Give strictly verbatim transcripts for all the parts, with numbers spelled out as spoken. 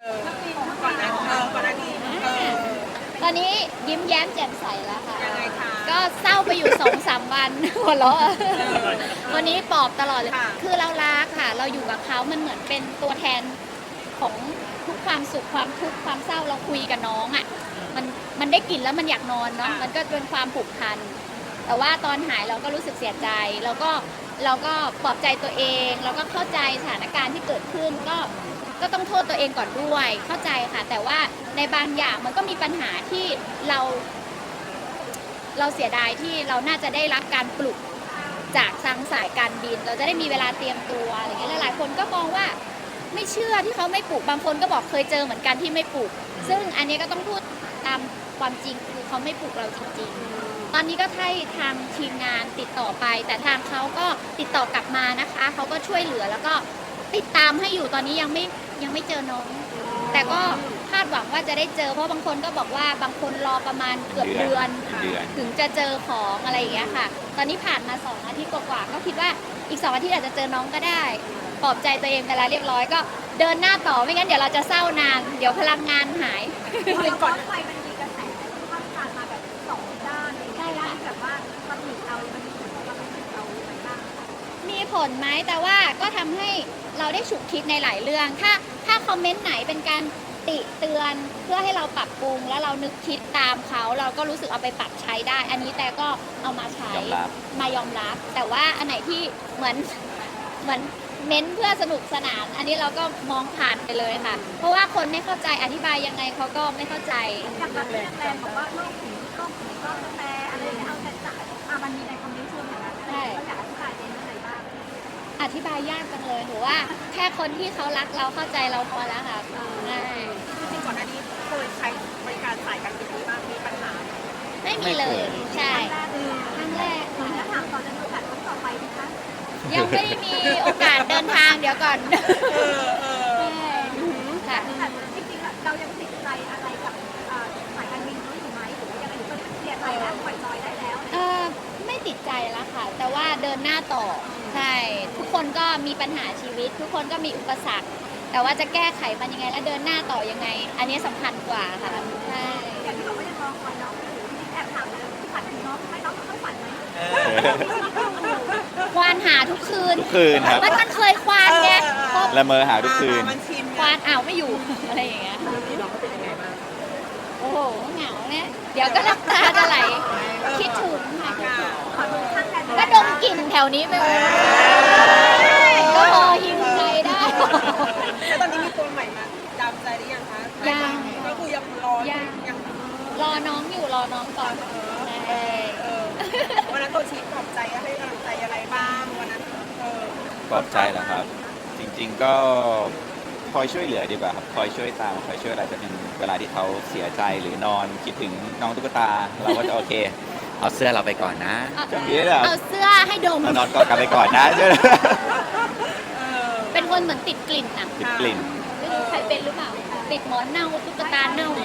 เออก่อนหน้าเออก่อนหน้านี้เออตอนนี้ยิ้มแย้มแจ่มใสแล้วค่ะยังไงคะก็เศร้าไปอยู่สองสามวันหัวเราะวันนี้ปลอบตลอดเลยค่ะคือเรารักค่ะ เราอยู่กับเขามันเหมือนเป็นตัวแทนของทุกความสุขความทุกข์ความเศร้าเราคุยกับน้องอ่ะมันมันได้กลิ่นแล้วมันอยากนอนเนาะมันก็เป็นความผูกพันแต่ว่าตอนหายเราก็รู้สึกเสียใจแล้วก็เราก็ปลอบใจตัวเองแล้วก็เข้าใจสถานการณ์ที่เกิดขึ้นก็ก็ต้องโทษตัวเองก่อนด้วยเข้าใจค่ะ แต่ว่าในบางอย่างมันก็มีปัญหาที่เรา เราเสียดายที่เราน่าจะได้รับการปลุกจากทางสายการบินเราจะได้มีเวลาเตรียมตัวอะไรเงี้ยหลายๆคนก็มองว่าไม่เชื่อที่เขาไม่ปลุกบางคนก็บอกเคยเจอเหมือนกันที่ไม่ปลุกซึ่งอันนี้ก็ต้องพูดตามความจริงคือเขาไม่ปลุกเราจริงๆตอนนี้ก็ให้ทางทีมงานติดต่อไปแต่ทางเขาก็ติดต่อกลับมานะคะเขาก็ช่วยเหลือแล้วก็ติดตามให้อยู่ตอนนี้ยังไม่ยังไม่เจอน้องแต่ก็คาดหวังว่าจะได้เจอเพราะบางคนก็บอกว่าบางคนรอประมาณเกือบเดือนถึงจะเจอของอะไรอย่างเงี้ยค่ะตอนนี้ผ่านมาสองอาทิตย์กว่าๆก็คิดว่าอีกสองอาทิตย์อาจจะเจอน้องก็ได้ปลอบใจตัวเองไปแล้วเรียบร้อยก็เดินหน้าต่อไม่งั้นเดี๋ยวเราจะเศร้านานเดี๋ยวพลังงานหายคือก่อนไฟมันมีกระแสข้ามผ่านมาแบบสองด้านเลยด้านที่แบบว่าตำหนิเรามันมีผลกับความรู้สึกเราไหมบ้างมีผลไหมแต่ว่าก็ทำให้เราได้ฉุกคิดในหลายเรื่องถ้าถ้าคอมเมนต์ไหนเป็นการติเตือนเพื่อให้เราปรับปรุงแล้วเรานึกคิดตามเขาเราก็รู้สึกเอาไปปรับใช้ได้ อันนี้แต่ก็เอามาใช้มายอมรับแต่ว่าอันไหนที่เหมือนเหมือนเน้นเพื่อสนุกสนานอันนี้เราก็มองผ่านไปเลยค่ะเพราะว่าคนไม่เข้าใจอธิบายยังไงเขาก็ไม่เข้าใจจากแบบแฟนบอกว่าโลกถึงโลกถึงโลกแต่อะไรอย่างเงี้ยเอาแต่จ่ายอ่ะมันมีในคอมเมนต์ชวนอย่างนั้นใช่อยากอธิบายเป็นอะไรบ้างอธิบายยากจังเลยหนูว่าแค่คนที่เขารักเราเข้าใจเราพอแล้วค่ะใช่จริงๆก่อนหน้านี้เคยใช้บริการสายการบินนี้บ้างมีปัญหาไม่มีเลยใช่ครั้งแรกค่ะแล้วถามต่อจะมีโอกาสครั้งต่อไปไหมคะยังไม่ได้มีโอกาสเดินทางเดี๋ยวก่อนเออเออค่ะแต่จริงๆเรายังติดใจอะไรกับสายการบินนี้อยู่ไหมหรือว่ายังไงก็เคลียร์ใจแล้วปล่อยจอยได้แล้วเออไม่ติดใจแล้วค่ะแต่ว่าเดินหน้าต่อใช่ทุกคนก็มีปัญหาชีวิตทุกคนก็มีอุปสรรคแต่ว่าจะแก้ไขมันยังไงและเดินหน้าต่อยังไงอันนี้สำคัญกว่าค่ะใช่อย่างที่บอกว่ายังรอคอยน้องอยู่แอบถามเลยฝันถึงน้องไหมน้องเขาฝันไหมควานหาทุกคืนทุกคืนครับมันมันเคยควานไงละเมอหาทุกคืนควานอ้าวไม่อยู่อะไรอย่างเงี้ยโอ้โหเหงาเนี่ยเดี๋ยวก็น้ำตาจะไหลคิดถึงค่ะก็ดมกลิ่นแถวนี้ไปหมดก็พอหิวใจได้แล้วตอนนี้มีตัวใหม่มาดามใจหรือยังคะยังก็คือยังรอยังรอน้องอยู่รอน้องก่อนวันนั้นตัวชี้ปลอบใจให้กำลังใจอะไรบ้างวันนั้นปลอบใจเหรอครับจริงๆก็คอยช่วยเหลือดีกว่าครับคอยช่วยตามคอยช่วยอะไรจะเป็นเวลาที่เขาเสียใจหรือนอนคิดถึงน้องตุ๊กตาเราก็จะโอเคเอาเสื้อเราไปก่อนนะจะมีเหรอเอาเสื้อให้ดมนอนกอดกันไปก่อนนะเป็นคนเหมือนติดกลิ่นอ่ะติดกลิ่นไม่รู้ใครเป็นหรือเปล่าติดหมอนเน่าตุ๊กตาเน่า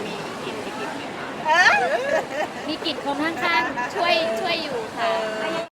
มีกลิ่นคนข้างๆช่วยช่วยอยู่ค่ะ